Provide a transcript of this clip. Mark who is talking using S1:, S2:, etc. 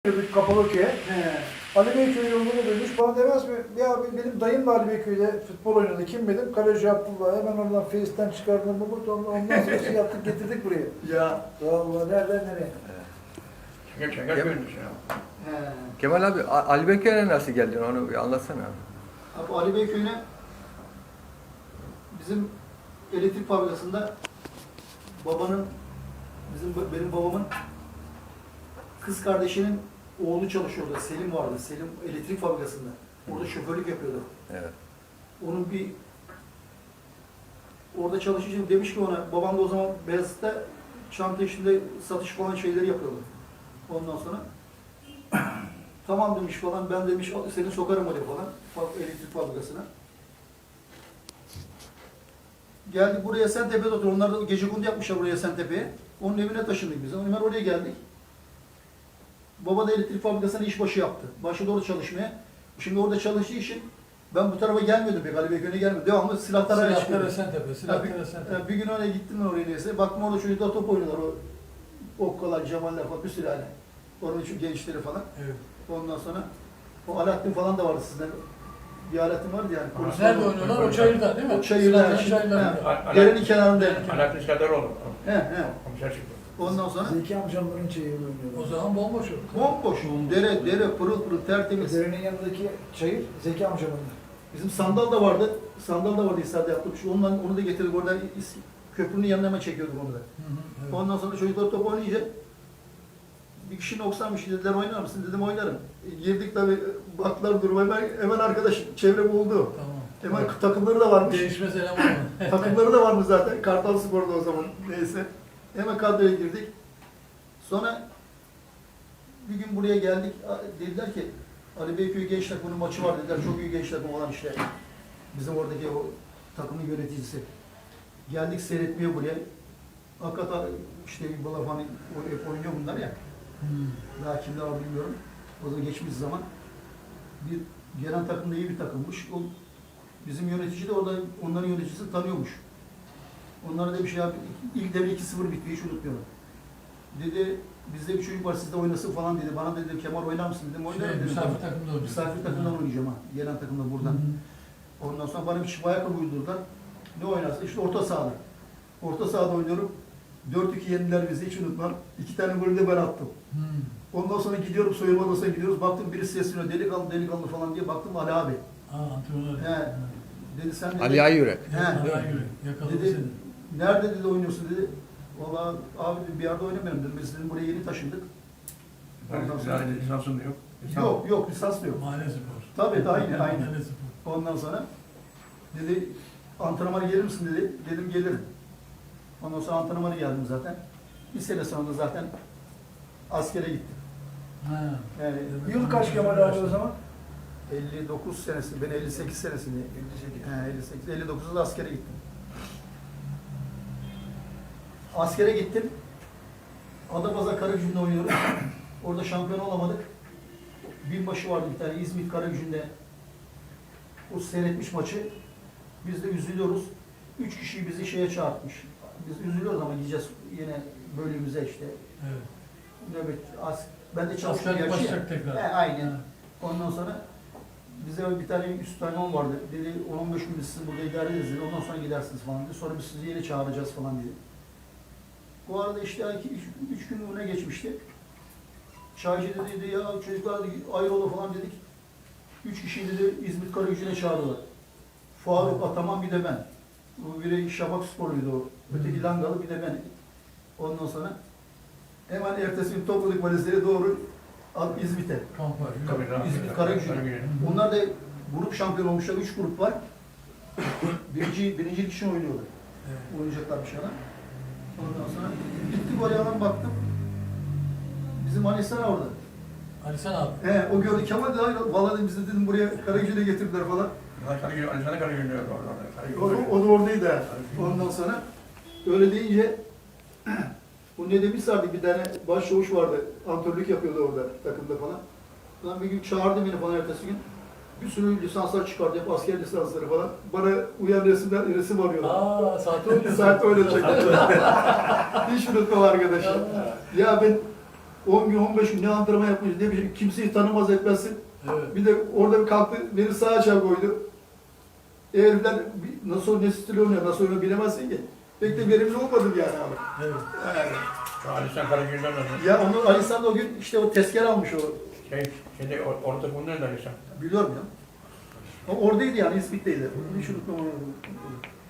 S1: Kapalıköy'e. Ali Beyköy yolunu dönmüş. Bana demez mi? Ya benim dayım da Ali Beyköy'de futbol oynadı. Kim benim? Kaleci Abdullah. Hemen oradan Face'ten çıkardım. Ondan sonra şey yaptık getirdik buraya.
S2: Ya.
S1: Vallahi nereden nereye?
S3: Çeker görmüş ya.
S2: Kemal abi, Ali Beyköy'e nasıl geldin onu bir anlatsana.
S4: Abi Ali Beyköy'üne bizim elektrik fabrikasında benim babamın kız kardeşinin oğlu çalışıyordu. Selim vardı. Selim elektrik fabrikasında. Orada şoförlük yapıyordu.
S2: Evet.
S4: Onun orada çalışınca demiş ki ona, babam da o zaman Beyazıt'ta çanta işinde satış falan şeyleri yapıyordu. Ondan sonra tamam demiş falan, ben demiş seni sokarım oraya falan, elektrik fabrikasına. Geldik buraya Esentepe'de oturuyor. Onlar da gecekondu yapmışlar buraya Esentepe'ye. Onun evine taşındık biz. Hemen oraya geldik. Baba da elektrik fabrikasına işbaşı yaptı. Başladı orada çalışmaya. Şimdi orada çalıştığı için ben bu tarafa gelmiyordum pek, Ali Beyköy'e gelmiyordum. Devamlı silahlara çıkıyordum. Bir gün oraya gittim ben oraya neyse. Baktım orada çocuklar top oynuyorlar. O okkalar, cemaller falan, bir sürü yani. Oranın için gençleri falan.
S5: Evet.
S4: Ondan sonra o Alaaddin falan da vardı sizden. Bir Alaaddin vardı yani.
S5: Nerede oynuyorlar? O çayırda değil mi?
S4: O çayırda. Derenin kenarında.
S3: Alaaddin Sadaroğlu.
S4: He.
S3: Komiser çıktı.
S4: Ondan sonra
S1: Zeki amcamların çayırını oynuyorlar.
S5: O zaman bomboş olur.
S4: bomboş. Dere pırıl pırıl tertemiz.
S1: Derenin yanındaki çayır Zeki amcamın.
S4: Bizim sandal da vardı. Sandal da vardı İsa'da yaptığım. Onu da getirdik oradan köprünün yanına hemen çekiyorduk onu da.
S5: Evet.
S4: Ondan sonra çocuklar top oynayınca bir kişi noksanmış, dediler oynar mısın? Dedim oynarım. Girdik tabii, baktılar duruma, hemen arkadaş çevre buldu.
S5: Tamam.
S4: Hemen takımları da varmış.
S5: Değişmez eleman mı?
S4: Takımları da varmış zaten. Kartal Spor'da o zaman. Neyse. Hemen kadroya girdik. Sonra bir gün buraya geldik. Dediler ki Ali Beyköy genç takımının maçı var dediler. Çok iyi genç takım olan işte. Bizim oradaki o takımın yöneticisi. Geldik seyretmeye buraya. Hakikaten işte Balaf hani hep oynuyor bunlar ya. Daha kimler var bilmiyorum. O zaman geçmiş zaman. Bir gelen takım da iyi bir takımmış. O, bizim yönetici de orada onların yöneticisini tanıyormuş. Onlara da bir şey yaptı. İlk devre 2-0 bitti, hiç unutmuyorum. Dedi, bizde bir çocuk var, siz de oynasın falan dedi. Bana dedi, Kemal oynar mısın dedim, oynarım dedim.
S5: Misafir takımda oynayacak.
S4: Misafir takımdan oynayacağım ha, gelen takımda buradan. Ondan sonra bana bir çift ayakkabı uydurdular. Ne oynarsın? İşte orta sahada. Orta sahada oynuyorum. 4-2 yendiler bizi, hiç unutmam. 2 tane golü de ben attım. Ondan sonra gidiyorum, soyunma odasına gidiyoruz. Baktım birisi sesleniyor, delikanlı falan diye. Baktım Ali abi.
S5: Antrenör.
S4: He. Dedi sen dedi.
S2: Ali Ayyürek.
S4: He.
S5: Yakaladı
S4: Dedi,
S5: seni.
S4: nerede dedi oynuyorsun dedi. Valla abi bir yerde oynamıyorum dedim. Biz dedim buraya yeni taşındık. Ondan sonra
S3: Lisansın da yok.
S4: yok lisans da yok.
S5: Mahalle spor.
S4: Tabii aynı.
S5: Mahalle spor.
S4: Ondan sonra dedi antrenmana gelir misin dedi. Dedim gelirim. Ondan sonra antrenmana geldim zaten. Bir sene sonra zaten askere gittim.
S5: Ha.
S4: Yani
S1: Yıl kaç Kemal abi o zaman?
S4: 59 senesi, ben 58 senesinde. 59'da askere gittim. Askere gittim. Adapazarı Karagümrük'te oynuyoruz. Orada şampiyon olamadık. Binbaşı vardı bir tane İzmit Karagümrük'te. O seyretmiş maçı. Biz de üzülüyoruz. 3 kişiyi bizi şeye çağırtmış. Biz üzülüyoruz ama gideceğiz yine bölümümüze işte.
S5: Evet.
S4: Nöbet, ben de çalıştım
S5: Askerlik
S4: gerçi.
S5: başlayacak tekrar.
S4: Aynen.
S5: Ha.
S4: Ondan sonra bize bir tane üstadım vardı. Dedi 10-15 gün biz sizi burada idare ederiz dedi. Ondan sonra gidersiniz falan dedi. Sonra biz sizi yeni çağıracağız falan dedi. Bu arada işte 3 gün öne geçmişti. Çaycı dedi ya çocuklar dedi, ayrılı falan dedik. 3 kişiyi dedi İzmit Karagümrük'e çağırdılar. Faruk Ataman bir de ben. Bu biri Şafak Spor'uydu o. Öteki Langalı bir de ben. Ondan sonra hemen ertesi gün topladık valizleri doğru İzmit'e.
S5: Kamp var.
S4: İzmit Karagümrük. Onlar da grup şampiyon olmuşlar. 3 grup var. Birinci için oynuyorlar.
S5: Evet.
S4: Oynayacaklar bir şeyler. Ondan sonra gittik oraya hemen baktım. Bizim Anisan orada.
S5: Ali sen abi.
S4: O gördü Kemal de valla dedim, bizi dedim buraya Karagümrük'e getirdiler falan.
S3: Alişan'a Karagümrük orada.
S4: O da oradaydı ha. Ondan sonra öyle deyince o ne demişlerdi bir tane başçavuş vardı. Antrenörlük yapıyordu orada takımda falan. Ben bir gün çağırdı beni falan ertesi gün. Bir sürü lisanslar çıkardı, hep asker lisansları falan. Bana uyan resim arıyorlar.
S5: Saate oynuyor.
S4: Saat öyle çekti. Hiç unutmam arkadaşlar. Ya ben 10 gün 15 gün ne antrenman yapmış ne bir şey, kimseyi tanımaz etmezsin.
S5: Evet.
S4: Bir de orada bir kalktı beni sağa açığa koydu. Herifler nasıl ne stil oynuyor, nasıl oynuyor bilemezsin ki. Pek de verimli olmadım yani abi.
S5: Evet.
S4: Yani,
S3: Şu Ali İhsan Karagül'den nasıl?
S4: ya onu Ali İhsan da o gün işte o tezkere almış o.
S3: Şimdi orada bunun nerede Ali İhsan?
S4: Biliyorum ya. O oradaydı yani İspit'teydi. Hiç unutmam onu.